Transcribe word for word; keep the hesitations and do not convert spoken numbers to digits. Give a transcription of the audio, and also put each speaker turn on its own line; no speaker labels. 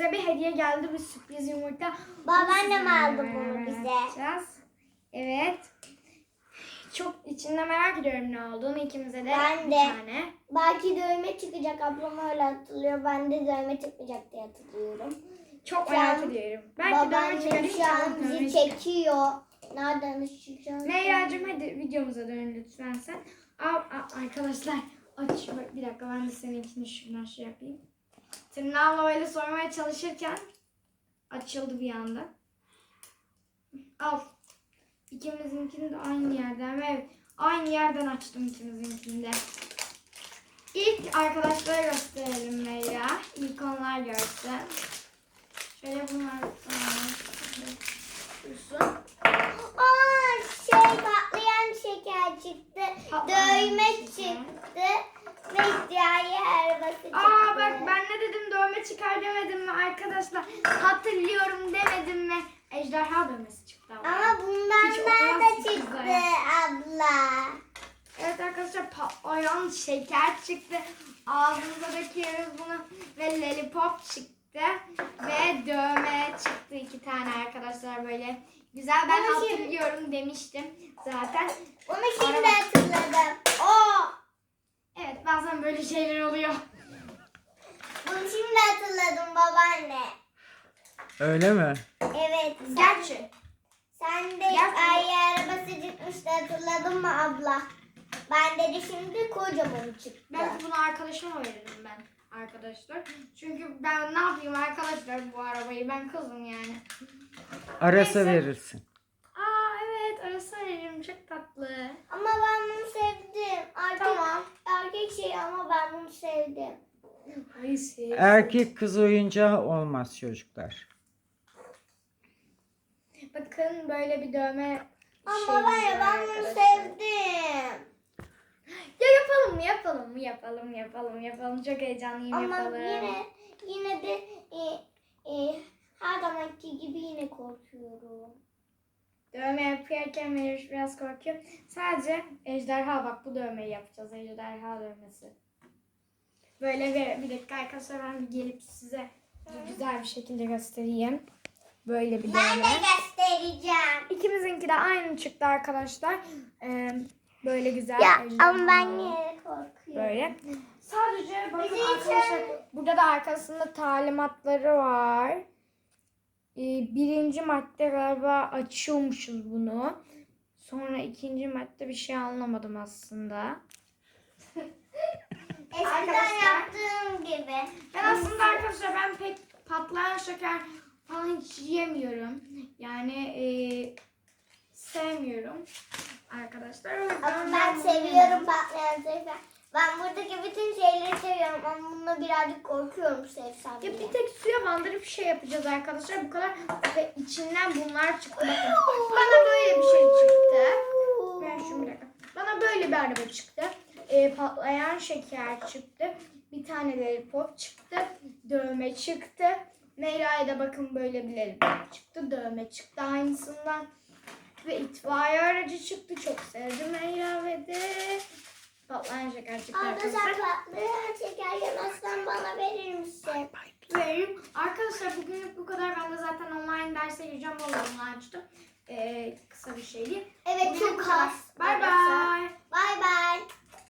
bize bir hediye geldi. Bir sürpriz yumurta.
Babaannem aldı bunu bize.
Yapacağız. Evet. Çok içinde merak ediyorum ne olduğunu. İkimize de
Ben
bir
de.
tane.
Belki dövme çıkacak. Ablam öyle hatırlıyor. Ben de dövme çıkmayacak diye hatırlıyorum.
Çok
Şu
merak
an
ediyorum. Belki dövme çıkar.
Babaannem şu an bizi çekiyor. Nereden ışıkacağız?
Meyra'cığım hadi videomuza dön lütfen sen. Aa, aa, arkadaşlar aç. Bir dakika ben de seninkini şuradan şey yapayım. Tırnağımla öyle soymaya çalışırken açıldı bir anda. Al. İkimizinkini de aynı yerden ve aynı yerden açtım ikimizinkini de. İlk arkadaşlara gösterelim Meyra. İlk onlar görsün. Şöyle bunlar dursun.
Aa, şey patlayan şeker çıktı.
Patlayan
Dövme
şeker.
çıktı. Ve hikaye arabası çıktı.
Aa bak ben ne dedim, dövme çıkar demedim mi arkadaşlar? Hatırlıyorum demedim mi? Ejderha dövmesi çıktı ama.
Ama bundan
Hiç
nerede
olmaz
çıktı
güzel.
abla?
Evet arkadaşlar patlayan şeker çıktı. Ağzımıza döküyoruz bunu ve lollipop çıktı. Ve dövme çıktı iki tane arkadaşlar böyle. Güzel, ben
Bunu şimdi-
hatırlıyorum demiştim zaten.
Onu şimdi
Araba-
hatırladım. Oo,
Evet bazen böyle şeyler oluyor.
bunu şimdi hatırladım babaanne.
Öyle mi?
Evet. Sen,
Gerçi.
sen de
Gerçi-
hikaye arabası çıkmıştı, hatırladın mı abla? Ben de şimdi kocaman çıktı.
Belki bunu arkadaşıma veririm ben arkadaşlar. Çünkü ben ne yapayım arkadaşlar bu arabayı, ben kızım yani.
Arasa
Neyse.
verirsin.
Aa evet arası veririm, çok tatlı.
Ama ben bunu sevdim. Erkek,
Tamam.
erkek şey ama ben bunu sevdim.
Ay sev.
Erkek kız oyuncağı olmaz çocuklar.
Bakın böyle bir dövme
Ama
şeyimiz
ben,
var
ben bunu
arkadaşlar.
sevdim.
Ya yapalım mı yapalım mı yapalım yapalım yapalım, çok heyecanlıyım,
Ama
yapalım.
yine yine de e, e, her zamanki gibi yine korkuyorum.
Dövme yaparken Meriç biraz korkuyor. Sadece ejderha, bak bu dövmeyi yapacağız, ejderha dövmesi. Böyle bir, bir dakika arkadaşlar ben bir gelip size güzel bir şekilde göstereyim. Böyle bir
Ben
dövme.
de göstereceğim.
İkimizinki de aynı çıktı arkadaşlar. Ee, böyle güzel.
Ya
ejderha.
ama ben yine korkuyorum.
Böyle. Sadece bakın
Bizi
arkadaşlar
için-
burada da arkasında talimatları var. Ee, birinci madde galiba açıyormuşuz bunu. Sonra ikinci madde bir şey anlamadım aslında.
Eskiden
Arkadaşlar-
yaptığım gibi.
Ben aslında arkadaşlar ben pek patlayan şeker falan hiç yemiyorum. Yani e, sevmiyorum arkadaşlar. O yüzden
Ama ben
bunu
seviyorum
yemiyorum.
patlayan şeker. Ben buradaki bütün şeyleri seviyorum ama bununla birazcık korkuyorum sevsem
Ya
bile.
bir tek suya bandırıp bir şey yapacağız arkadaşlar. Bu kadar ve içinden bunlar çıktı. Bakın. Bana böyle bir şey çıktı. Ben şunu bir dakika. Bana böyle bir araba çıktı. E, patlayan şeker çıktı. Bir tane lollipop çıktı. Dövme çıktı. Meyra'ya da bakın böyle bir lollipop çıktı. Dövme çıktı aynısından. Ve itfaiye aracı çıktı. Çok sevdim Meyra ve de patlayan şeker çıktı
Arda
arkadaşlar.
sen patlayan şeker yemezsen bana verir misin?
Veririm. Arkadaşlar bugünlük bu kadar. Ben de zaten online derse gireceğim. Onu açtım. Ee, kısa bir şeydi.
Evet
Bugünlük bu
çok
kadar.
az.
Bye bye.
Bye bye.